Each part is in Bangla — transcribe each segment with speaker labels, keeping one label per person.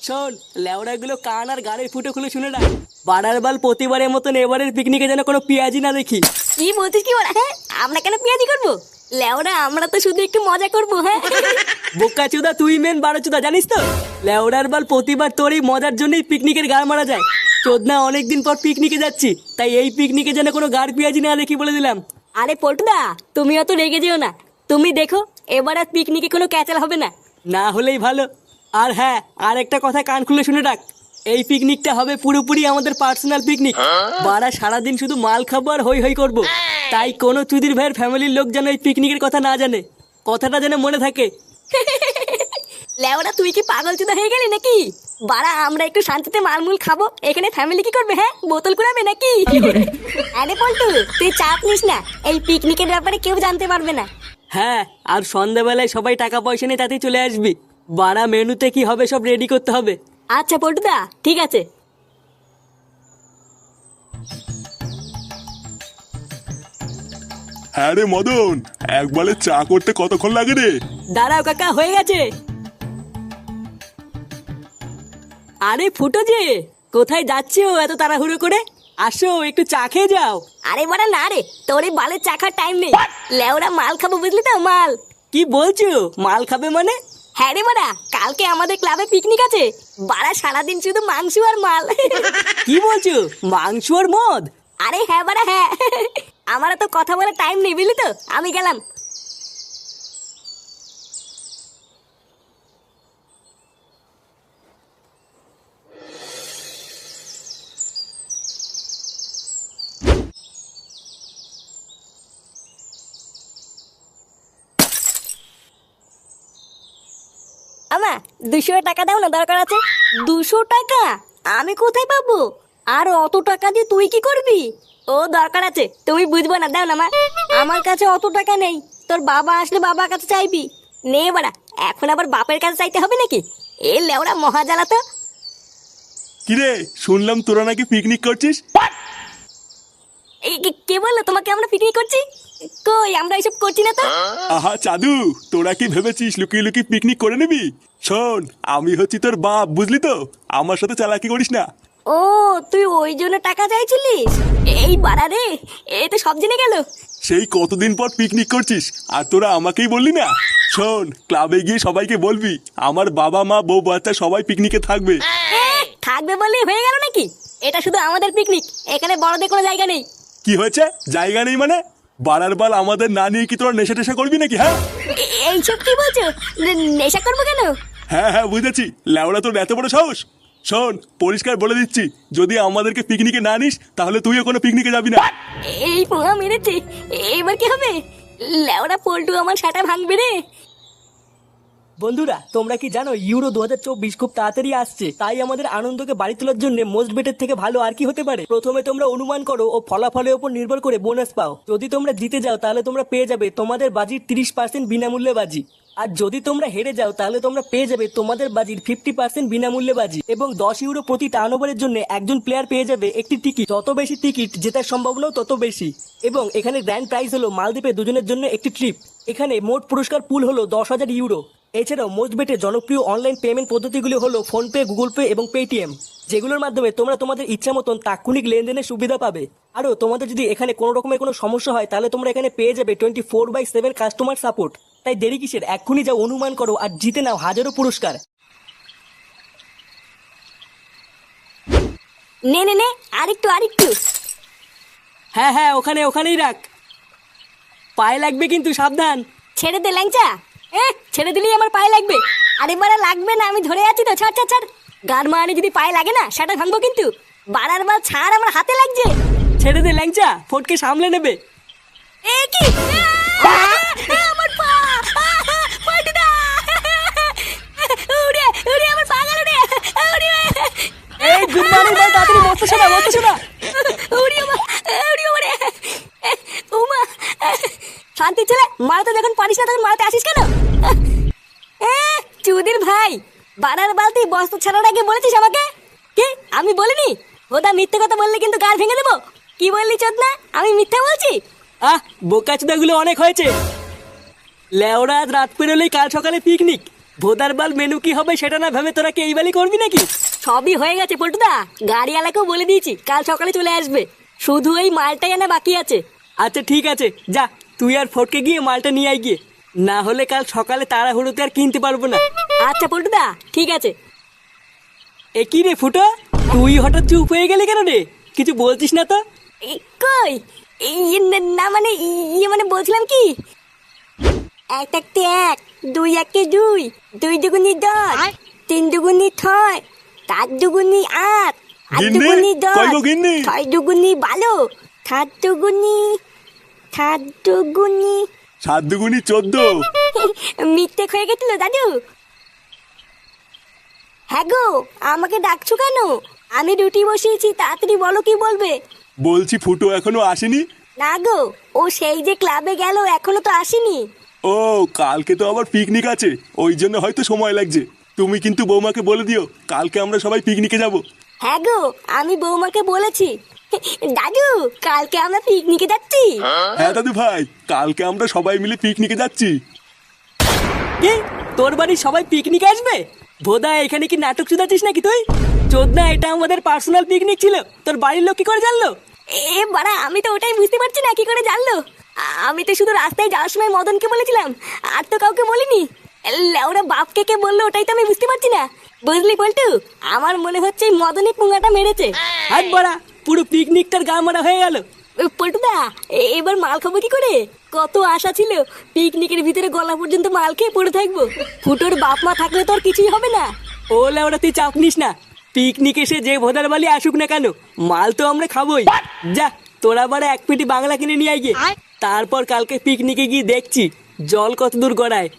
Speaker 1: শোন, লেওড়াগুলো কান আর গাড়ির ফুটো খুলে শুনে রাখ। বাড়ার বাল প্রতিবারের মতন এবারের পিকনিকে যেন কোনো পেঁয়াজি না দেখি।
Speaker 2: কি বলছিস কি ওরা? হ্যাঁ, আমরা কেন পেঁয়াজি করবো? লেওরা আমরা তো শুধু একটু মজা করবো। হ্যাঁ
Speaker 1: বোকা চুদা, তুই মেন বারো চুদা, জানিস তো? লেওড়ার বাল প্রতিবার তোর এই মজার জন্যই পিকনিকের গাড় মারা যায়। চোদনা অনেকদিন পর পিকনিকে যাচ্ছি, তাই এই পিকনিকে যেন কোনো গাড় পেঁয়াজি না দেখি বলে দিলাম।
Speaker 2: আরে পল্টুদা, তুমি অত রেগে যেও না। তুমি দেখো, এবার আর পিকনিকে কোনো ক্যাচাল হবে না।
Speaker 1: না হলেই ভালো। আর হ্যাঁ, আর একটা কথা কান খুলে শুনে রাখ, এই পিকনিকটা হবে পুরোপুরি আমাদের পার্সোনাল পিকনিক। বারা সারাদিন শুধু মাল খাবো আর হই হই করবো। তাই কোনো চুদির ভাইয়ের ফ্যামিলির লোক যেন এই পিকনিকের কথা না জানে, কথাটা যেন মনে থাকে।
Speaker 2: লেওরা তুই কি পাগল চুদা হয়ে গেলি নাকি? বাড়া আমরা একটু শান্তিতে মালমুল খাবো, এখানে ফ্যামিলি কি করবে? হ্যাঁ, বোতল কুড়াবে নাকি? আরে পল্টু, তুই চাপ নিস না, এই পিকনিকের ব্যাপারে কেউ জানতে পারবে না।
Speaker 1: হ্যাঁ, আর সন্ধ্যাবেলায় সবাই টাকা পয়সা নিয়ে তাতেই চলে আসবি। বারা মেনুতে কি হবে সব রেডি করতে হবে।
Speaker 2: আচ্ছা পল্টুদা, ঠিক আছে।
Speaker 3: হ্যাঁ রে মদন, একবারে চা করতে কতক্ষণ লাগে রে?
Speaker 1: দাঁড়াও কাকা, হয়ে গেছে। আরে ফুটো যে, কোথায় যাচ্ছো এত তাড়াহুড়ো করে? আসো একটু চা খেয়ে যাও।
Speaker 2: আরে বাড়া না রে, তোর এই বালের চাখার টাইম নেই। লেওরা মাল খাবো, বুঝলি তো? মাল।
Speaker 1: কি বলছো? মাল খাবে মানে?
Speaker 2: হ্যাঁ রে বাড়া, কালকে আমাদের ক্লাবে পিকনিক আছে। বাড়া সারাদিন শুধু মাংস আর মাল।
Speaker 1: কি বলছো? মাংস আর মদ?
Speaker 2: আরে হ্যাঁ বাড়া হ্যাঁ। আমার তো কথা বলার টাইম নেই, বুঝলি তো? আমি গেলাম। আমা 200 টাকা দাও না, দরকার আছে। 200 টাকা? আমি কোথায় পাবো? আর অত টাকা দিয়ে তুই কি করবি? ও দরকার আছে, তুমি বুঝবো না, দাও না মা। আমার কাছে অত টাকা নেই, তোর বাবা আসলে বাবার কাছে চাইবি। নে বাড়া, এখন আবার বাপের কাছে চাইতে হবে নাকি? এ লেওড়া মহাজালা তো।
Speaker 3: কিরে, শুনলাম তোরা নাকি পিকনিক করছিস?
Speaker 2: এই কে বললো তোমাকে আমরা পিকনিক করছি? কই, আমরা এসব করছি না তো।
Speaker 3: আহা চাদু, তোরা কি ভেবেছিস লুকিয়ে লুকিয়ে পিকনিক করে নিবি? শোন, আমি হচ্ছি তোর বাপ, বুঝলি তো? আমার সাথে চালাকি করিস না।
Speaker 2: ও, তুই ওই জন্য টাকা চাইছিলিস? এই বাড়া রে, এ তো সব জেনে গেল।
Speaker 3: সেই কতদিন পর পিকনিক করছিস আর তোরা আমাকেই বললি না? শোন, ক্লাবে গিয়ে সবাইকে বলবি আমার বাবা মা বউ বাচ্চা সবাই পিকনিকে থাকবে।
Speaker 2: থাকবে বলে হয়ে গেল নাকি? এটা শুধু আমাদের পিকনিক, এখানে বড়দের কোনো জায়গা নেই।
Speaker 3: কি হয়েছে? জায়গা নেই মানে? বাড়ার বাল আমাদের না নিয়ে কি তোরা নেশা টেশা করবি নাকি? হ্যাঁ
Speaker 2: এইসব কি বলছো? নেশা করবো কেন?
Speaker 3: হ্যাঁ হ্যাঁ বুঝেছি, ল্যাওড়া তোর এত বড় সাহস। শোন, পরিষ্কার বলে দিচ্ছি, যদি আমাদেরকে পিকনিকে না নিস তাহলে তুইও কোনো পিকনিকে যাবি না।
Speaker 2: এই পোঙা মেরেছে, এবার কি হবে? লেওড়া পল্টু আমার সাটা ভাঙবে রে।
Speaker 1: বন্ধুরা, তোমরা কি জানো ইউরো 2024 খুব তাড়াতাড়ি আসছে? তাই আমাদের আনন্দকে বাড়ি তোলার জন্য মোস্ট বেটের থেকে ভালো আর কি হতে পারে? প্রথমে তোমরা অনুমান করো ও ফলাফলের উপর নির্ভর করে বোনাস পাও। যদি তোমরা জিতে যাও তাহলে তোমরা পেয়ে যাবে তোমাদের বাজির 30% বিনামূল্যে বাজি। আর যদি তোমরা হেরে যাও তাহলে তোমরা পেয়ে যাবে তোমাদের বাজির 50% বিনামূল্যে বাজি। এবং 10 ইউরো প্রতি টার্ন ওভারের জন্য একজন প্লেয়ার পেয়ে যাবে একটি টিকিট। যত বেশি টিকিট জেতার সম্ভাবনাও তত বেশি। এবং এখানে গ্র্যান্ড প্রাইজ হলো মালদ্বীপে দুজনের জন্য একটি ট্রিপ। এখানে মোট পুরস্কার পুল হলো 10,000 ইউরো। এছাড়াও মোস্ট বেটের জনপ্রিয় অনলাইন পেমেন্ট পদ্ধতিগুলি হলো ফোনপে, গুগল পে এবং পেটিএম, যেগুলোর মাধ্যমে তোমরা তোমাদের ইচ্ছা মতন তাৎক্ষণিক লেনদেনের সুবিধা পাবে। আরও তোমাদের যদি এখানে কোনো রকমের কোনো সমস্যা হয় তাহলে তোমরা এখানে পেয়ে যাবে 24/7 কাস্টমার সাপোর্ট। তাই দেরি কিসের, এক্ষুনি যাও অনুমান করো আর জিতে নাও হাজারো পুরস্কার।
Speaker 2: নে নে নে, আরেকটু আরেকটু।
Speaker 1: হ্যাঁ হ্যাঁ, ওখানেই রাখ, পায়ে লাগবে কিন্তু, সাবধান।
Speaker 2: ছেড়ে দে ল্যাংচা। ছেড়ে দিলেই আমার পায়ে লাগবে। আরে বাড়া লাগবে না, আমি ধরে আছি তো। ছাড় ছাড় ছাড়। গান মারানি যদি পায়ে লাগে না, সেটা ভাঙবো কিন্তু। বাড়ার বাল ছাড়, আমার হাতে লাগছে।
Speaker 1: ছেড়ে দে ল্যাংচা, ফটকে সামলে নেবে।
Speaker 2: এ কি? আমার পা! পল্টুদা! উড়ে উড়ে আমার পা গেল রে। উড়ে
Speaker 1: এই গুড মর্নিং ভাই, তাড়াতাড়ি মস্ত শোনা।
Speaker 2: উড়ে উড়ে উমা! শান্তি ছেলে, মারাতে যখন পারিস না তখন মারাতে আসিস কেন? চুদির ভাই, বানার বালতি বস্তা ছাড়ার আগে বলেছিস আমাকে? কি আমি বলিনি? ওটা মিথ্যে কথা বললে কিন্তু গাল ভেঙে দেবো। কি বললি চোদনা? আমি মিথ্যা বলছি?
Speaker 1: বোকাচোদাগুলো অনেক হয়েছে। লেওরা আজ রাত পেরোলেই কাল সকালে পিকনিক। ভোদার বাল মেনু কি হবে সেটা না ভেবে তোরা কি এই বালি করবি নাকি?
Speaker 2: সবই হয়ে গেছে পল্টুদা, গাড়িওয়ালাকেও বলে দিয়েছি কাল সকালে চলে আসবে, শুধু এই মালটাই আনা বাকি আছে।
Speaker 1: আচ্ছা ঠিক আছে, যা তুই আর ফটকে গিয়ে মালটা নিয়ে আয় গিয়ে, না হলে কাল সকালে তাড়াহুড়োতে আর কিনতে পারবো না।
Speaker 2: আচ্ছা পল্টুদা ঠিক আছে।
Speaker 1: এ কি রে ফুটো, তুই হঠাৎ চুপ হয়ে গেলি কেন রে? কিছু বলছিস না তো?
Speaker 2: কই না মানে মানে বলছিলাম কি, এক একটি এক, দুই একটি দুই, দুই দুগুনি দশ, তিন দুগুনি ছয়, চার দুগুনি আট, আট
Speaker 3: গিন্নি,
Speaker 2: দুগুনি
Speaker 3: কই
Speaker 2: দশ,
Speaker 3: গো গিন্নি?
Speaker 2: ছয় দুগুনি 12, সাত দুগুনি
Speaker 3: 7 দুগুনি 14।
Speaker 2: মিথ্যে হয়ে গেছিল দাদু। হ্যাঁ গো, আমাকে ডাকছো কেন? আমি রুটি বসিয়েছি, তাড়াতাড়ি বলো কি বলবে।
Speaker 3: বলছি ফুটো এখনো আসেনি?
Speaker 2: না গো, ও সেই যে ক্লাবে গেল এখনো তো আসেনি।
Speaker 3: ও কালকে তো আবার পিকনিক আছে, ওই জন্য হয়তো সময় লাগছে। তুমি কিন্তু বৌমাকে বলে দিও কালকে আমরা সবাই পিকনিকে যাব।
Speaker 2: হ্যাঁ গো, আমি বৌমাকে বলেছি। দাদু, কালকে আমরা পিকনিকে যাচ্ছি।
Speaker 3: হ্যাঁ দাদু ভাই, কালকে আমরা সবাই মিলে পিকনিকে যাচ্ছি।
Speaker 1: কি, তোর বাড়ির সবাই পিকনিক আসবে? ভোদা এখানে কি নাটক চুদাচ্ছিস নাকি তুই? চোদনা, এটা আমাদের পার্সোনাল পিকনিক ছিল, তোর বাড়ির লোক কি করে জানলো?
Speaker 2: এ বাড়া, আমি তো ওটাই বুঝতে পারছি না কি করে জানলো। আমি তো শুধু রাস্তায় যাওয়ার সময় মদনকে বলেছিলাম, আর তো কাউকে বলিনি। ওরা বাপকে কে বললো ওটাই তো আমি বুঝতে পারছি না। বুঝলি পল্টু, আমার মনে হচ্ছে এই মদনই পুঙ্গাটা মেরেছে।
Speaker 1: হাত বড়া, পুরো পিকনিকটার গা মারা হয়ে গেল।
Speaker 2: পল্টুদা, এবার মাল খাবো কি করে? কত আশা ছিল পিকনিকের ভিতরে গলা পর্যন্ত মাল খেয়ে পড়ে থাকবো। ফুটোর বাপ মা থাকলে তো আর কিছুই হবে না।
Speaker 1: ও লেওড়া, তুই চাপ নিস না, পিকনিক এসে যে ভোদার বালি আসুক না কেন, মাল তো আমরা খাবোই। যা, তোরা বারে এক পেটি বাংলা কিনে নিয়ে আয় গিয়ে, তারপর কালকে পিকনিকে গিয়ে দেখছি জল কত দূর গড়ায়।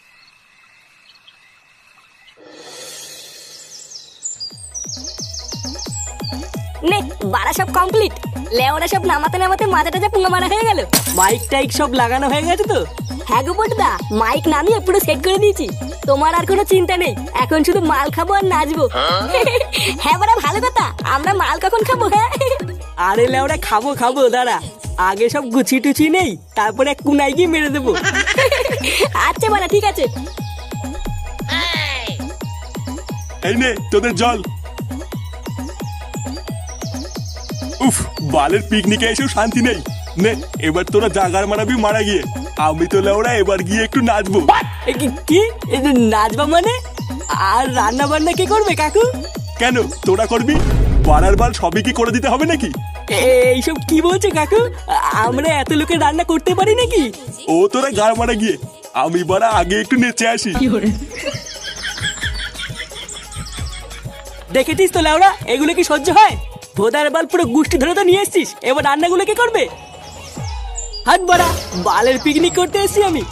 Speaker 2: নে বাড়া, সব কমপ্লিট। লেওরা সব নামাতে নামাতে মাথাটা যা পুঙ্গা মারা হয়ে গেল।
Speaker 1: মাইক টাইক সব লাগানো হয়ে গেছে তো?
Speaker 2: হ্যাঁ গো পল্টুদা, মাইক নামিয়ে পুরো সেট করে দিয়েছি। তোমার আর কোনো চিন্তা নেই, এখন শুধু মাল খাবো আর নাচবো। হ্যাঁ বাড়া, ভালো কথা। আমরা মাল কখন খাবো? হ্যাঁ
Speaker 1: আরে লেওড়া, খাবো খাবো, দাঁড়া আগে সব গুছি টুচি নেই, তারপরে এক কুনাই গিয়ে মেরে দেবো।
Speaker 2: আচ্ছা বাড়া, ঠিক আছে।
Speaker 3: এই নে তোদের জল। উফ, বালের পিকনিকে এসেও শান্তি নেই। নে এবার তোরা জাগার মারাবি মারা গিয়ে, আমি তো লেওড়া এবার গিয়ে একটু নাচবো।
Speaker 1: কি এই যে নাচবা মানে? আর রান্না বান্না কে করবে কাকু?
Speaker 3: কেন, তোরা করবি? বাড়ার বাল সবই কি করে দিতে হবে নাকি?
Speaker 1: এইসব কি বলছে কাকু? আমরা এত লোকে রান্না করতে পারি নাকি?
Speaker 3: ও তোরা গাড় মারা গিয়ে, আমি বাড়া আগে একটু নেচে আসি।
Speaker 1: দেখেছিস তো লেওড়া, এগুলো কি সহ্য হয়? ভোদার বাল পুরো গুষ্টি ধরে তো নিয়ে এসছিস, এবার রান্নাগুলো কে করবে? হাত বাড়া, বালের পিকনিক করতে এসছি আমি।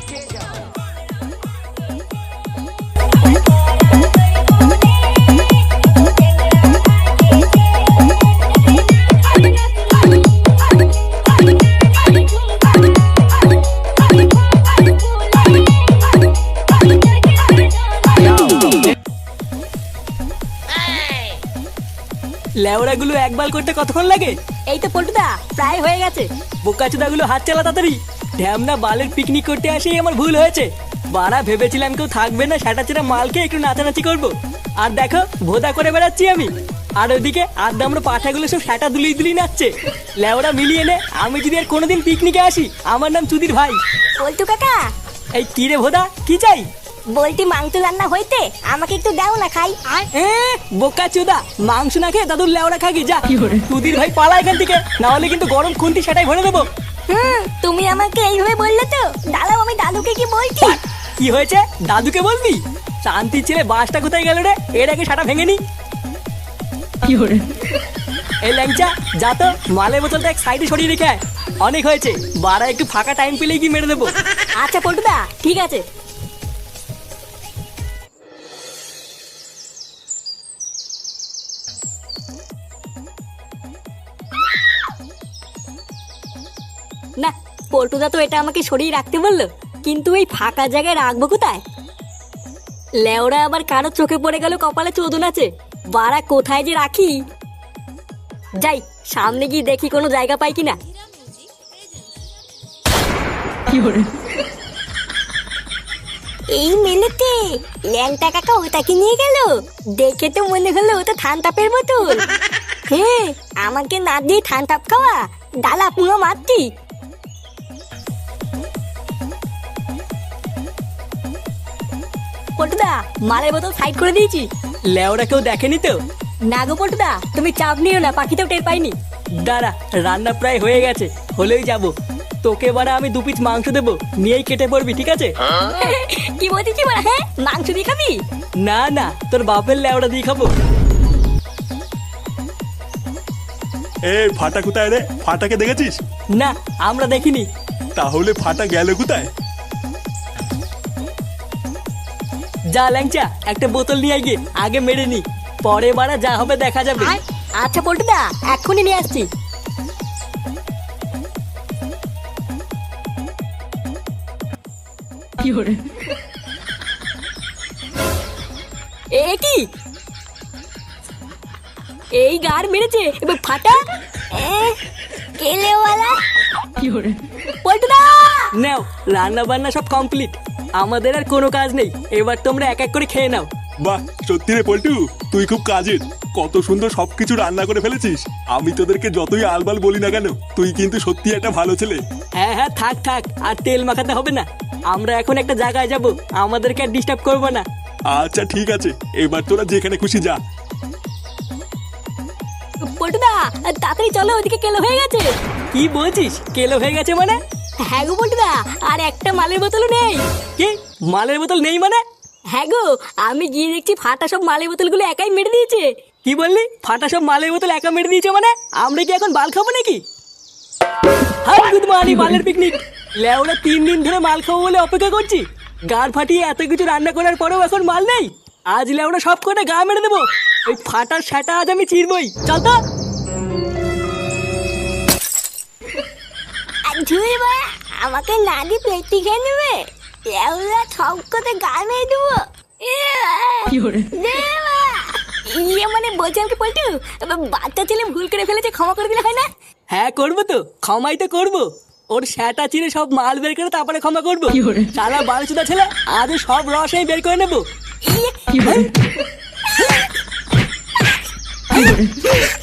Speaker 1: লেওড়াগুলো একবার করতে কতক্ষণ লাগে?
Speaker 2: এই তো পল্টুদা, প্রায় হয়ে গেছে।
Speaker 1: বোকাচোদাগুলো হাত চালা তাড়াতাড়ি। ঢ্যামনা বালের পিকনিক করতে আসেই আমার ভুল হয়েছে। বাড়া, ভেবেছিলাম কেউ থাকবে না, সেটা ছেড়ে মালকে একটু নাচানাচি করবো, আর দেখো ভোদা করে বেড়াচ্ছি আমি। আর ওইদিকে আড্ডা আমরা পাঠাগুলো সব সেটা দুলিয়ে দুলিয়ে নাচছে। লেওড়া মিলিয়ে নে, আমি যদি আর কোনোদিন পিকনিকে আসি, আমার নাম চুদির ভাই।
Speaker 2: পল্টু কাকা,
Speaker 1: এই কি রে ভোদা, কি চাই?
Speaker 2: বলটি মাংস রান্না হইতে, আমাকে একটু দাও না খাই।
Speaker 1: বোকা চোদা, মাংস না খেয়ে দাদুর লেওড়া খাগি যা। চুদির ভাই পালা এখান থেকে, না হলে কিন্তু গরম খুন্তি সেটাই ভরে দেবো।
Speaker 2: তুমি আমাকে এইভাবে বললে তো, দাঁড়াও আমি দাদুকে কি বলছি।
Speaker 1: কি হয়েছে, দাদুকে বলবি? শান্তির ছেলে, বাসটা কোথায় গেল রে? এর আগে সাটা ভেঙে নি। এই ল্যাংচা, যা তো মালের বোতলটা এক সাইডে সরিয়ে রেখে আয়। অনেক হয়েছে, বাড়া একটু ফাঁকা টাইম পেলেই কি মেরে দেবো।
Speaker 2: আচ্ছা পল্টুদা, ঠিক আছে। না, পল্টুদা তো এটা আমাকে সরিয়ে রাখতে বললো, কিন্তু এই ফাঁকা জায়গায় রাখবো কোথায়? লেওরা আবার কারো চোখে পড়ে গেল কপালে চোদন আছে, বাড়া কোথায় যে রাখি। যাই সামনে গিয়ে দেখি কোনো জায়গা পাই কিনা। এই মেলেতে ল্যাংটা কাকা ওটাকে নিয়ে গেল। দেখে তো মনে হলো ওটা থানতাপের বোতল। হ্যাঁ, আমাকে না দিয়ে থানতাপ খাওয়া, ডালা পুরো মারতি। পটুদা, মালের বোতল সাইড করে দিয়েছি।
Speaker 1: লেওরা কেউ দেখেনি তো?
Speaker 2: না গো পটুদা, তুমি চাপ নিও না, পাখিতেও টের পাইনি।
Speaker 1: দাঁড়া, রান্না প্রায় হয়ে গেছে, হলেই যাব। তোকে বারা আমি 2 পিস মাংস দেবো, নিয়েই কেটে পড়বি, ঠিক আছে?
Speaker 2: কি বলছিস বড়া? হ্যাঁ, মাংস দিয়ে খাবি?
Speaker 1: না না, তোর বাপের লেওড়া দিয়ে খাবো।
Speaker 3: এ ফাটা কোথায় রে? ফাটাকে দেখেছিস?
Speaker 1: না, আমরা দেখিনি।
Speaker 3: তাহলে ফাটা গেল কোথায়?
Speaker 1: যা ল্যাংচা, একটা বোতল নিয়ে গিয়ে আগে মেরে নি, পরে বারা যা হবে দেখা যাবে।
Speaker 2: আচ্ছা পটুদা, এক্ষুনি নিয়ে আসছি। এ কি? এই গার মেরেছে এবার ফাটা। কেলেওয়ালা পটুদা।
Speaker 1: নাও, রান্না বান্না সব কমপ্লিট, আমাদের আর কোনো কাজ নেই। এবার তোমরা এক এক করে খেয়ে নাও।
Speaker 3: বাহ, সত্যি রে পল্টু, তুই খুব কাজের। কত সুন্দর সবকিছু রান্না করে ফেলেছিস। আমি তোদেরকে যতই আলবাল বলি না কেন, তুই কিন্তু সত্যি একটা ভালো ছেলে।
Speaker 1: হ্যাঁ হ্যাঁ, থাক থাক, আর তেল মাখাতে হবে না। আমরা এখন একটা জায়গায় যাব, আমাদেরকে আর ডিস্টার্ব করবো না।
Speaker 3: আচ্ছা ঠিক আছে, এবার তোরা যেখানে খুশি যা।
Speaker 2: পটুদা, তাড়াতাড়ি চলো, ওদিকে কেলো হয়ে গেছে।
Speaker 1: কি বলছিস? কেলো হয়ে গেছে মানে?
Speaker 2: হ্যাঁ গো পটুদা, আর একটা মালের বোতলও নেই।
Speaker 1: কি মালের বোতল নেই মানে?
Speaker 2: হ্যাঁ গো, আমি গিয়ে দেখছি ফাটা সব মালের বোতলগুলো একাই মেরে দিয়েছে।
Speaker 1: কি বললি? ফাটা সব মালের বোতল একা মেরে দিয়েছে মানে? আমরা কি এখন বাল খাবো নাকি? হাই গুড মর্নিং, মালের পিকনিক। লেওরা 3 দিন ধরে মাল খাবো বলে অপেক্ষা করছি, গাড় ফাটিয়ে এত কিছু রান্না করার পরেও এখন মাল নেই। আজ লেওরা সব কটা গা মেরে দেবো। ওই ফাটার সেটা আজ আমি চিরবই। চল তো।
Speaker 2: আর ঝুড়ি বা আমাকে না দিয়ে পেটি খেয়ে নেবে। এগুলা সব কথা গা মেরে দেবো। ইয়ে মানে বলছিলাম কি পল্টু, বাচ্চা ছেলে ভুল করে ফেলেছে, ক্ষমা করে দিলে হয় না?
Speaker 1: হ্যাঁ করবো তো, ক্ষমাই তো করবো। ওর সেটা চিরে সব মাল বের করে তারপরে ক্ষমা করবো। সারা বালচুদা ছেলে, আজ সব রস আমি বের করে নেবো।
Speaker 2: ইয়ে